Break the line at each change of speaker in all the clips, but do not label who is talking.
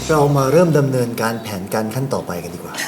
เรามาเริ่มดำเนินการแผนการขั้นต่อไปกันดีกว่าน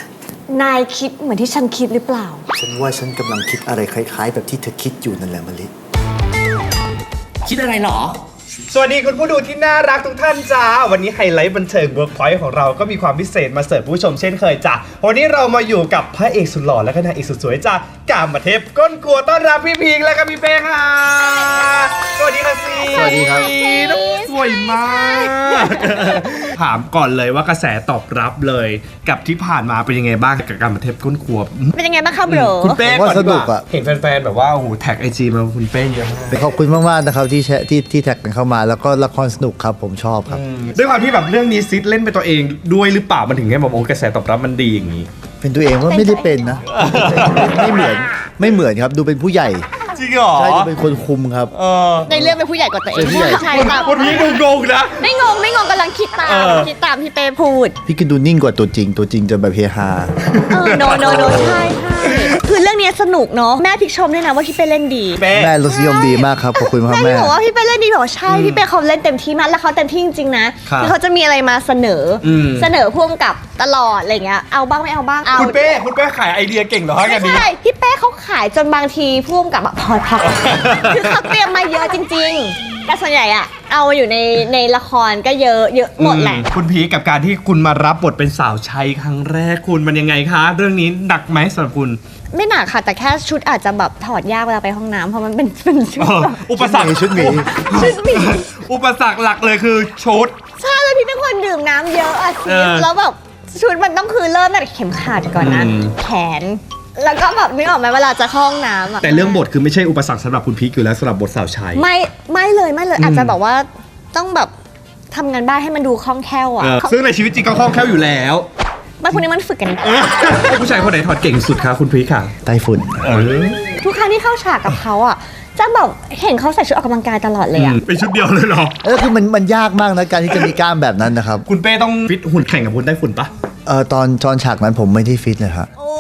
ายคิดเหมือนที่ฉันคิดหรือเปล่า
ฉันว่าฉันกำลังคิดอะไรคล้ายๆแบบที่เธอคิดอยู่นั่นแหละมะลิ
คิดอะไรหรอ
สวัสดีคุณผู้ดูที่น่ารักทุกท่านจ้าวันนี้ไฮไลท์บันเทิง Workpoint ของเราก็มีความพิเศษมาเสิร์ฟผู้ชมเช่นเคยจ้าวันนี้เรามาอยู่กับพระเอกสุดหล่อและก็นางเอกสุดสวยจ้ากามเทพก้นกลัวต้อนรับพี่พิงและก็พี่เป้ค่ะสวัสดีค่ะซี
สวัสดีครับ
น้องสวยมากถามก่อนเลยว่ากระแสตอบรับเลยกับที่ผ่านมาเป็นยังไงบ้างกับกามเทพก้นกลัว
เป็นยังไงบ้างคะโบร
คุณเป้ก่อนดีก
ผมว่าสนุก
ว่า
อะ
เห็นแฟนๆแบบว่าโอ้โหแท็กไอจีมาคุณเป้เยอะมาก
ขอบคุณมากๆนะครับที่แท็กกันเข้ามาแล้วก็ละครสนุกครับผมชอบครับ
ด้วยความที่แบบเรื่องนี้ซิดเล่นเป็นตัวเองด้วยหรือเปล่ามันถึงให้แบบโอ้กระแสตอบรับมันดีอย่างนี้
เป็นตัวเองว่าไม่ได้เป็นนะ ไม่เหมือนครับดูเป็นผู้ใหญ่
จริงเหรอ
ใช่ดูเป็นคนคุมครับ
ในเรื่องเป็นผู้ใหญ่กว่าตัวเอง
เป็นผู้ใหญ่
ใช่ตาม
คนนี้ดูงงนะ
ไม่งงกำลังคิดตาม คิดตามที่เป้พูด
พี่กินดูนิ่งกว่าตัวจริงจะแบบเฮฮา
โนใช่คือเรื่องนี้สนุกเนาะแม่พิกชมด้วยนะว่าพี่เป้เล่นดี
เป๊ะ
แม่รสนิยมดีมากครับขอบคุณครับ
แม่
แม่
บอกว่าพี่เป้เล่นดีบอกว่าใช่พี่เป้เขาเล่นเต็มที่มากแล้วเขาเต็มที่จริงๆนะครับ คือเขาจะมีอะไรมาเสนออ
ม
เสนอพ่วงกับตลอดอะไรเงี้ยเอาบ้างไม่เอาบ้างเอา
คุณเป้ขายไอเดียเก่งเหรอฮะ
ไม่
กันนี้
ใช่พี่เป้เขาขายจนบางทีพ่วงกับพอคือเขาเตรียมมาเยอะจริงๆแต่ส่วนใหญ่อะเอามาอยู่ในละครก็เยอะหมดแหละ
คุณพีกับการที่คุณมารับบทเป็นสาวใช้ครั้งแรกคุณมันยังไงคะ เรื่องนี้หนักไหมสำหรับคุณ
ไม่หนักค่ะ แต่แค่ชุดอาจจะแบบถอดยากเวลาไปห้องน้ำเพราะมันเป็นชุดแบบ
อุปสรรค
ชุดหมี
อุปสรรคหลักเลยคือชุด
ใช่แล้วพี่เป็นคนดื่มน้ำเยอะอะ
เออ
แล้วแบบชุดมันต้องคือเริ่มตั้งแต่เข็มขัดก่อนนะ
อืม
แขน แล้วก็แบบนึกออกไหมเวลาจะเข้าห้องน้ำอะ
แต่เรื่องบทคือไม่ใช่อุปสรรคสำหรับคุณพีคอยู่แล้วสำหรับบทสาวใช้
ไม่เลยอาจจะแบบว่าต้องแบบทำงานบ้านให้มันดูคล่องแคล่วอะ
ซึ่งในชีวิตจริงก็คล่องแคล่วอยู่แล้ว
บางคนนี้มันฝึกกัน
ผู้ชายคนไหนถอดเก่งสุดคะคุณพีคค่ะ
ไต้ฝุ่น
ทุกครั้งที่เข้าฉากกับเขาอ่ะจะแบบเห็นเขาใส่ชุดออกกำลังกายตลอดเลยอ่ะ
เป็นชุดเดียวเลยเหรอ
คือมันยากมากนะการที่จะมีกล้ามแบบนั้นนะครับ
คุณเป้ต้องฟิตหุ่นแข่งกับคุณไต้ฝุ่นปะ
ตอนฉากนั้นผมไม่ได้ฟิตเลยครับ
โอ้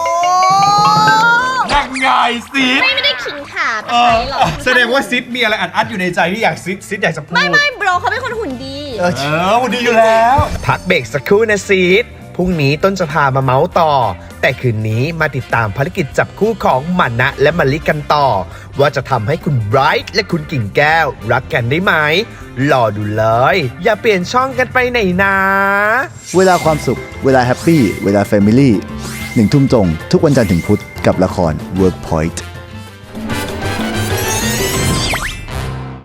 ยังไงซิด
ไม่ได้ขิงขาไปไหนหรอก
แสดงว่าซิดมีอะไรอัดอยู่ในใจที่อยากซิดอยากจะพูด
ไม่โบรเขาเป็นคนหุ่นดี
หุ่นดีอยู่แล้ว
พักเบรกสักครู่นะซีดพรุ่งนี้ต้นจะพามาเมาส์ต่อ แต่คืนนี้มาติดตามภารกิจจับคู่ของมานะและมะลิกันต่อ ว่าจะทำให้คุณไบรท์และคุณกิ่งแก้วรักกันได้ไหมรอดูเลย อย่าเปลี่ยนช่องกันไปไหนนะ
เวลาความสุข เวลาแฮปปี้ เวลาแฟมิลี่1 ทุ่มตรงทุกวันจันทร์ถึงพุธกับละคร Workpoint